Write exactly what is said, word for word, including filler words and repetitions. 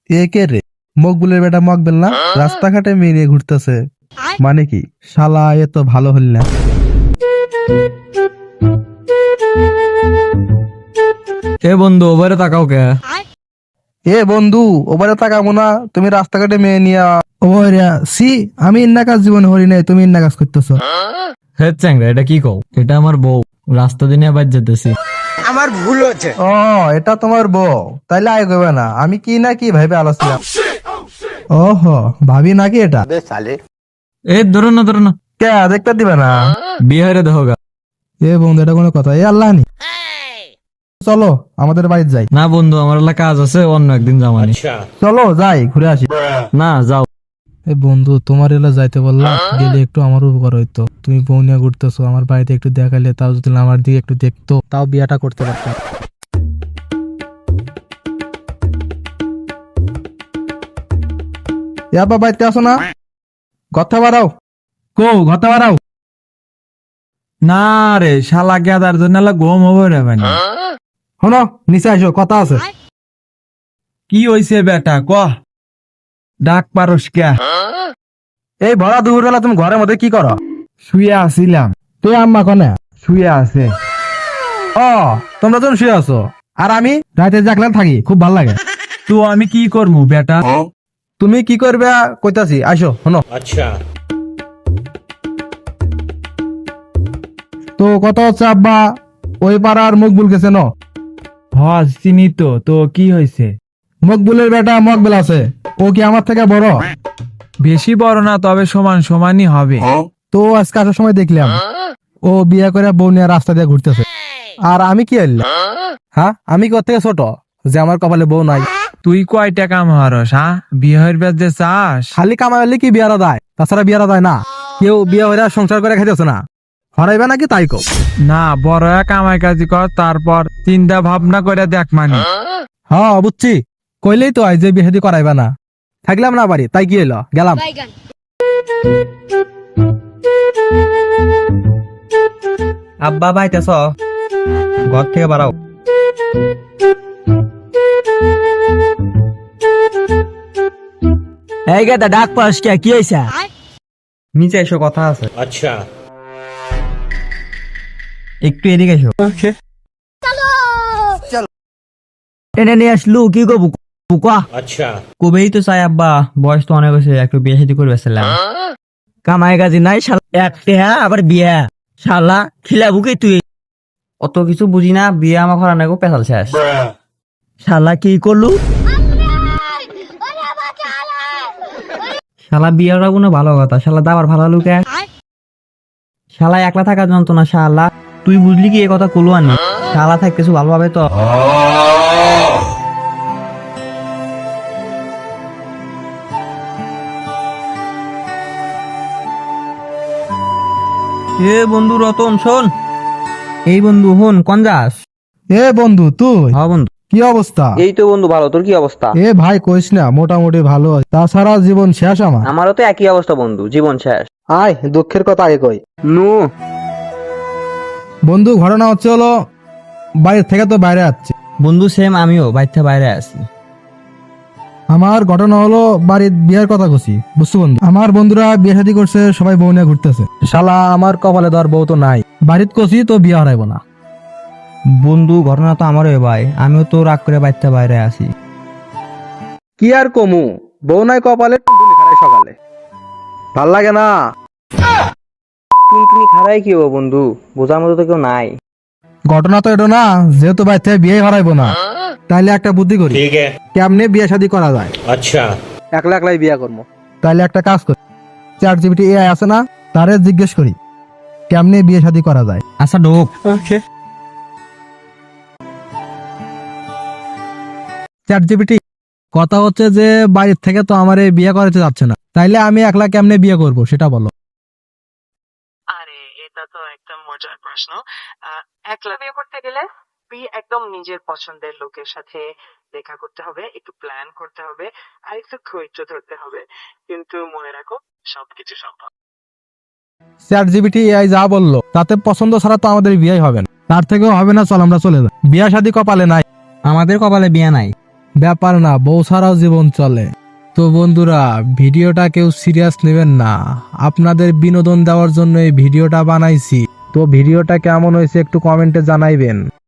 এ কে রে? মকবুলের বেটা মকবেল না? রাস্তাঘাটে মেয়ে নিয়ে ঘুরতেছে, মানে কি শালা এ তো ভালো হল না। এ বন্ধু ওভারে তাকাও কে? এ বন্ধু ওবারে তাকাবো না? তুমি রাস্তাঘাটে মেয়ে নিয়া ওরে সি আমি ইন্না কাজ জীবনে হরি নাই, তুমি ইন্না কাজ করতেছো। হে চ্যাংরা, এটা কি কও? এটা আমার বউ, রাস্তা দিনে বাজ যেতেছি। ও এটা তোমার বউ? তাইলে আয় করবে না, আমি কি না কি ভাইবে আলোচনা। ওহো ভাবি নাকি এটা? এ ধরো না ধরো না, কে দেখতে দিবে না? বিহারে দেখো গা। এ বন্ধু এটা কোনো কথা? এ আল্লাহ নি, চলো আমাদের বাড়িতে যাই। না বন্ধু, আমার এলাকা কাজ আছে, অন্য একদিন যামানি। চলো যাই ঘুরে আসি। না যাও। এ বন্ধু তোমার এলা যাইতে বললাম, গেলে একটু আমার উপকার হইতো। তুমি বউ নিয়ে ঘুরতেছো, আমার বাড়িতে একটু দেখাইলে, তাও যদি আমার দিকে একটু দেখতো, তাও বিয়াটা করতে পারতাম। ইয়াবা বাড়িতে আসো না? কথা বাড়াও, কো কথা বাড়াও। না রে শালা, গেদার জন্য গম হবে রে ভাই। শোনো নিচে আসো, কথা আছে। কি হইছে বেটা ক? ডাক পারস কে? এই ভরা দুপুরবেলা তুমি ঘরের মধ্যে কি করো? শুয়ে আসিলাম। তুই আম্মা কনে? শুয়ে আছে। ও তোমরা যখন শুয়ে আছো, আর আমি রাতে জাগলাম থাকি, খুব ভালো লাগে। তো আমি কি করবো বেটা? তুমি কি করবে কইতাছি, আসো শোনো। अच्छा তো কথা হচ্ছে আব্বা, ওই পাড়ার মকবুল গেছে ন? হ চিনি তো। তো কি হয়েছে? মকবুলের বেটা মকবেল আছে, ও কি আমার থেকে বড়? বেশি বড় না, তবে সমান সমানই হবে। তো আজকে আসার সময় দেখলাম ও বিয়ে করে বউ নিয়ে রাস্তা দিয়ে ঘুরতেছে, আর আমি কি হইলাম? হ্যাঁ আমি কি ওর থেকে ছোট যে আমার কপালে বউ নাই? তুই কয় টাকা মারস? হ্যাঁ বিয়ের বেদে চাস? খালি কামাই হলে কি বিয়ারা দেয়? তাছাড়া বিয়ারা দেয় না। কেউ বিয়ে হইরা সংসার করে খাইতেছে না, হরাইবে নাকি তাই কো? না, বড় এক কামাই কাজি কর, তারপর চিন্তা ভাবনা করে দেখ মানে। হ্যাঁ বুঝছি, কইলেই তো হয় যে বিয়ে শাদী করাইবে না। থাকলাম না বাড়ি, তাই কি হইলো, গেলাম। আব্বা বাইতেছ? ঘর থেকে বাড়াও। এই গেদা ডাক পাস কে? কি হইছে? নিচে এসো, কথা আছে। अच्छा একটু এদিকে এসো। টেনে নিয়ে আসলু, কি করবো বুকা? अच्छा কবেই তো চাই আব্বা, বয়স তো অনেক হয়েছে, একটু বিয়ে শাদী করবে ছিলাম। কামাই কাজি নাই শালা, একটা হ্যাঁ আবার বিয়া, শালা খিলাবু কি তুই? অত কিছু বুঝি না, বিয়ে আমার ঘর অনেক পেশাল শেষ। শালা কি করলু? শালা বিয়ের কোনো ভালো কথা, শালা দাবার ভালো লুকে। শালা একলা থাকার যন্ত্রণা, শালা তুই বুঝলি কি এ কথা কলু আনি? শালা থাক কিছু ভালোভাবে তো। এ বন্ধু রতন শোন। এই বন্ধু হন, কোন যাস? এ বন্ধু তুই, হ্যাঁ বন্ধু। কি অবস্থা? এই তো বন্ধু ভালো, তোর কি অবস্থা? এ ভাই কইস না, মোটামুটি ভালো আছে। তাছাড়া জীবন শেষ আমার। আমারও তো একই অবস্থা বন্ধু, জীবন শেষ। আয় দুঃখের কথা আগে কই। নু বন্ধু ঘটনা হচ্ছে হলো, বাইরে থেকে তো বাইরে আসছে। বন্ধু সেম, আমিও বাইরে বাইরে আছি। আমার ঘটনা হলো বাড়ির বিয়ের কথা কছি, বুঝছো বন্ধু? আমার বন্ধুরা বিয়ে শাদী করছে, সবাই বউ নিয়ে ঘুরতেছে। শালা আমার কপালে ধর বউ তো নাই, বাড়িতে কছি তো বিয়ে হারাইবো না। বন্ধু ঘটনা তো আমারও ভাই, আমিও তো রাগ করে বাইরে বাইরে আছি। কি আর কমু, বউ নাই কপালে, টুনটুনি খারাই সকালে, ভাল লাগে না। টুনটুনি খারাই কি হবো বন্ধু, বোঝার মতো তো কেউ নাই। ঘটনা তো এটা না, যেহেতু বাড়ি থেকে বিয়ে হারাইবো না, তাইলে একটা বুদ্ধি করি। ठीक है কেমনে বিয়ে শাদী করা যায়? अच्छा একলা একলাই বিয়ে করবো। তাইলে একটা কাজ করি, চ্যাট জিপিটি এআই আছে না, তারে জিজ্ঞেস করি কেমনে বিয়ে শাদী করা যায়। আচ্ছা ঢোক। চ্যাট জিপিটি, কথা হচ্ছে যে বাড়ির থেকে তো আমার এই বিয়ে করাতে যাচ্ছে না, তাইলে আমি একলা কেমনে বিয়ে করব সেটা বলো। আরে এটা তো একদম মজার প্রশ্ন। আহ, একলা বিয়ে করতে গেলে তুই একদম নিজের পছন্দের লোকের সাথে দেখা করতে হবে, একটু প্ল্যান করতে হবে, আর একটু ধৈর্য ধরতে হবে, কিন্তু মনে রাখো সবকিছু সম্ভব। চ্যাট জিপিটি এআই যা বললো তাতে পছন্দ ছাড়া তো আমাদের বিয়ে হবে না, তার থেকেও হবে না, চল আমরা চলে যাই। বিয়ে শাদী কপালে নাই, আমাদের কপালে বিয়ে নাই। ব্যাপার না, বউ ছাড়াও জীবন চলে। তো বন্ধুরা, ভিডিওটা কেউ সিরিয়াস নেবেন না, আপনাদের বিনোদন দেওয়ার জন্য এই ভিডিওটা বানাইছি। তো ভিডিওটা কেমন হয়েছে একটু কমেন্টে জানাইবেন।